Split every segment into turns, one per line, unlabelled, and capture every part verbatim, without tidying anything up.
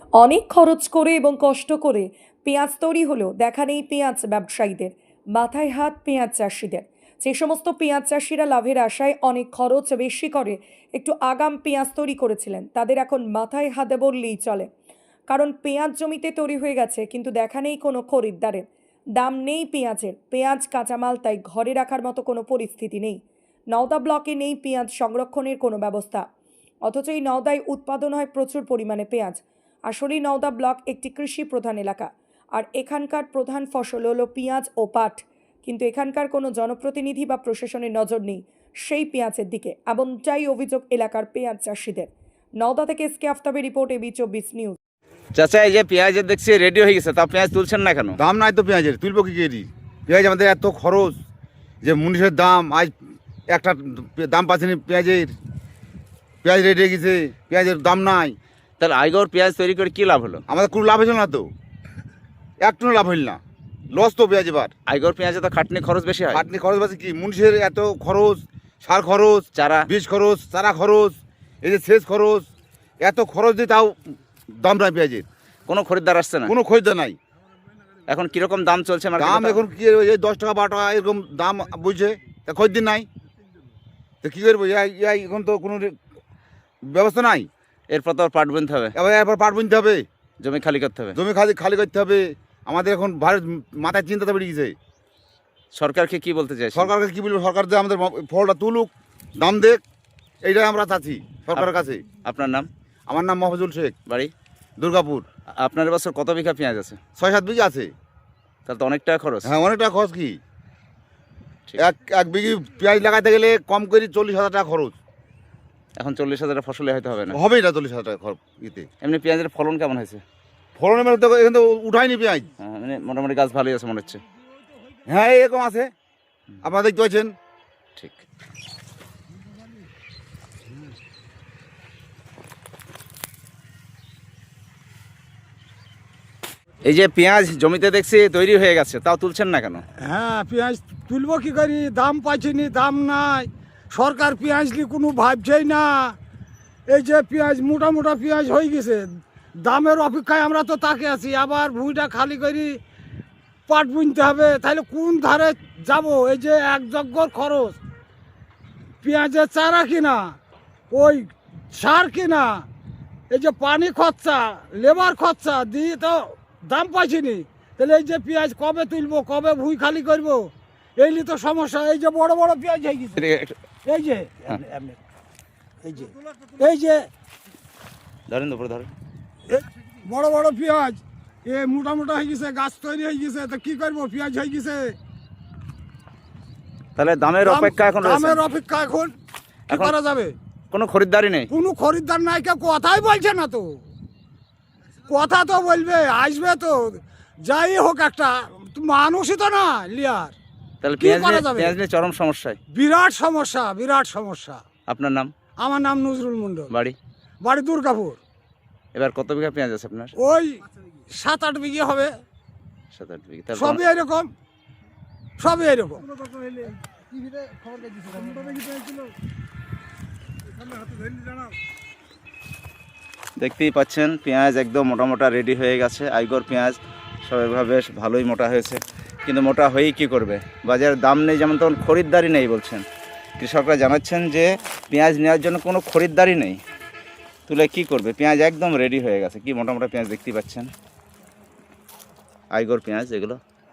অনেক খরচ করে এবং কষ্ট করে পেঁয়াজ তৈরি হলেও দেখা নেই পেঁয়াজ ব্যবসায়ীদের, মাথায় হাত পেঁয়াজ চাষিদের। যে সমস্ত পেঁয়াজ চাষিরা লাভের আশায় অনেক খরচ বেশি করে একটু আগাম পেঁয়াজ তৈরি করেছিলেন, তাদের এখন মাথায় হাতে বললেই চলে। কারণ পেঁয়াজ জমিতে তৈরি হয়ে গেছে, কিন্তু দেখা নেই কোনো খরিদ্দারের। দাম নেই পেঁয়াজের, পেঁয়াজ কাঁচামাল তাই ঘরে রাখার মতো কোনো পরিস্থিতি নেই। নওদা ব্লকে নেই পেঁয়াজ সংরক্ষণের কোনো ব্যবস্থা, অথচ এই নওদায় উৎপাদন হয় প্রচুর পরিমাণে পেঁয়াজ। আসলেই নওদা ব্লক একটি কৃষি প্রধান এলাকা, আর এখানকার প্রধান ফসল হলো পেঁয়াজ ও পাট। কিন্তু এখানকার কোনো জনপ্রতিনিধি বা প্রশাসনের নজর নেই সেই পেঁয়াজের দিকে, এমনটাই অভিযোগ এলাকার পেঁয়াজ চাষিদের। নওদা থেকে এসকে আফতাবের রিপোর্ট, এবি চব্বিশ নিউজ।
চাচা, এই যে পেঁয়াজের দেখছি রেডি হয়ে গেছে, তা পেঁয়াজ তুলছেন না কেন?
দাম নাই তো পেঁয়াজের, তুলবো কি কেজি? পেঁয়াজ আমাদের এত খরচ যে মুনিশের দাম, আজ একটা দাম পাচ্ছেনি পেঁয়াজের। পেঁয়াজ রেডি হয়ে গেছে, পেঁয়াজের দাম নাই।
তাহলে আইগর পেঁয়াজ তৈরি করে কি লাভ হলো?
আমাদের কোনো লাভ হইল না তো, একটু লাভ হইল না, লস তো পেঁয়াজ। এবার
আইগর পেঁয়াজে তো খাটনি খরচ বেশি হয়।
খাটনি খরচ আছে কি, মুনিশের এত খরচ, সার খরচ,
চারা
বীজ খরচ, চারা খরচ, এই যে সেচ খরচ, এত খরচ দিয়ে তাও দাম নাই পেঁয়াজের।
কোনো খরিদ্দার আসছে না,
কোনো খরিদ্দার নাই।
এখন কিরকম দাম চলছে মার্কেটে?
দাম এখন কি, এই দশ টাকা বারো টাকা এরকম দাম বুঝছে, তা খরিদ্দার নাই, তো কী করবো? ইয়াই এখন তো কোনো ব্যবস্থা নাই।
এরপর তো পাট বুনতে হবে,
এবার এরপর পাট বুনতে হবে,
জমি খালি করতে হবে।
জমি খালি খালি করতে হবে। আমাদের এখন ভারত মাথায় চিন্তাটা বেড়ে গেছে।
সরকারকে কি বলতে চাই?
সরকারকে কি বলবো? সরকার যে আমাদের ফলটা তুলুক, দাম দেখ, এইটাই আমরা চাচ্ছি সরকারের কাছে।
আপনার নাম?
আমার নাম মফজুল শেখ,
বাড়ি
দুর্গাপুর।
আপনার এবছর কত বিঘা পেঁয়াজ আছে?
ছয় সাত বিঘা আছে।
তাহলে তো অনেক টাকা খরচ।
হ্যাঁ, অনেক টাকা খরচ। কি
ঠিক।
এক এক বিঘি পেঁয়াজ লাগাতে গেলে কম করে চল্লিশ হাজার টাকা খরচ।
এখন চল্লিশ হাজার ফসলে হয়তো হবে না,
হবেই না চল্লিশ হাজার টাকা খরচ ইতে।
এমনি পেঁয়াজের ফলন কেমন হয়েছে?
ফলনের মেলে তো এখানে তো উঠায়নি পেঁয়াজ।
হ্যাঁ, মানে মোটামুটি গাছ ভালোই আছে মনে হচ্ছে।
হ্যাঁ, এরকম আছে, আপনারা দেখতে পাচ্ছেন।
ঠিক। এই যে পেঁয়াজ জমিতে দেখছি তৈরি হয়ে গেছে, তাও তুলছেন না কেন?
হ্যাঁ, পেঁয়াজ তুলবো কি করি, দাম পাইছি নি, দাম নাই। সরকার পেঁয়াজ নিয়ে কোনো ভাবছেই না। এই যে পেঁয়াজ মোটা মোটা পেঁয়াজ হয়ে গেছে, দামের অপেক্ষায় আমরা তো তাকে আছি। আবার ভুঁইটা খালি করি পাট বুনতে হবে, তাহলে কোন ধারে যাব? এই যে এক যজ্ঞর খরচ, পেঁয়াজের চারা কিনা, ওই সার কিনা, এই যে পানি খরচা, লেবার খরচা দিয়ে তো দাম পাইছি নি। তাহলে এই যে পেঁয়াজ কবে তুলবো, কবে ভুঁই খালি করবো, এই নিয়ে তো সমস্যা। এই যে বড় বড় পেঁয়াজ হয়ে গেছে, এই যে এমনি, এই যে এই যে
ধরেন উপরে ধরেন,
এই বড় বড় পেঁয়াজ এ মোটা মোটা হয়ে গেছে, গাছ তৈরি হয়ে গেছে, তো কি করবো? পেঁয়াজ হয়ে গেছে,
তাহলে দামের
দাম-
অপেক্ষা এখন রয়েছে।
দামের অপেক্ষা এখন কি
এখন-
করা যাবে?
কোনো খরিদ্দারই নেই।
কোনো খরিদ্দার নাই, কেউ কথাই বলছে না তো। কথা তো বলবে, আসবে তো, যাই হোক একটা মানুষই তো না লিয়ার।
তাহলে
কি
পেঁয়াজ
করা
নিয়ে-
যাবে?
পেঁয়াজ নিয়ে চরম সমস্যায়।
বিরাট সমস্যা, বিরাট সমস্যা।
আপনার নাম?
আমার নাম নজরুল মন্ডল,
বাড়ি?
বাড়ি দুর্গাপুর।
এবার কত বিঘা পেঁয়াজ আছে আপনার?
ওই সাত আট বিঘে হবে,
সাত আট বিঘা। তাহলে
সবই এরকম, সবই এরকম।
দেখতেই পাচ্ছেন পেঁয়াজ একদম মোটা মোটা রেডি হয়ে গেছে। আইগর পেঁয়াজ সব এভাবে বেশ ভালোই মোটা হয়েছে, কিন্তু মোটা হয়েই কী করবে? বাজারের দাম নেই, যেমন তখন খরিদ্দারই নেই বলছেন। কৃষকরা জানাচ্ছেন যে পেঁয়াজ নেওয়ার জন্য কোনো খরিদ্দারই নেই, তুলে কি করবে? পেঁয়াজ একদম রেডি হয়ে গেছে, কি মোটা মোটা পেঁয়াজ দেখতেই পাচ্ছেন, আইগর পেঁয়াজ এগুলো।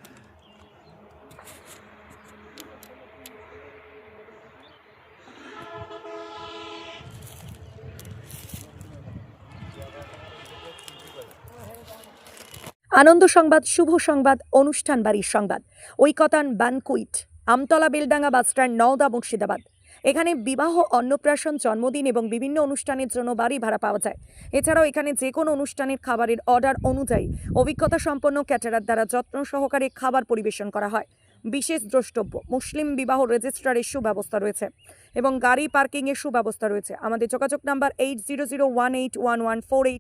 আনন্দ সংবাদ, শুভ সংবাদ, অনুষ্ঠান বাড়ির সংবাদ, ঐকতান বানকুইট, আমতলা বেলডাঙ্গা বাসস্ট্যান্ড, নওদা, মুর্শিদাবাদ। এখানে বিবাহ, অন্নপ্রাশন, জন্মদিন এবং বিভিন্ন অনুষ্ঠানের জন্য বাড়ি ভাড়া পাওয়া যায়। এছাড়াও এখানে যে কোনো অনুষ্ঠানের খাবারের অর্ডার অনুযায়ী অভিজ্ঞতা সম্পন্ন ক্যাটারার দ্বারা যত্ন সহকারে খাবার পরিবেশন করা হয়। বিশেষ দ্রষ্টব্য, মুসলিম বিবাহ রেজিস্ট্রারের সুব্যবস্থা রয়েছে এবং গাড়ি পার্কিংয়ের সুব্যবস্থা রয়েছে। আমাদের যোগাযোগ number eight zero zero one eight one one four eight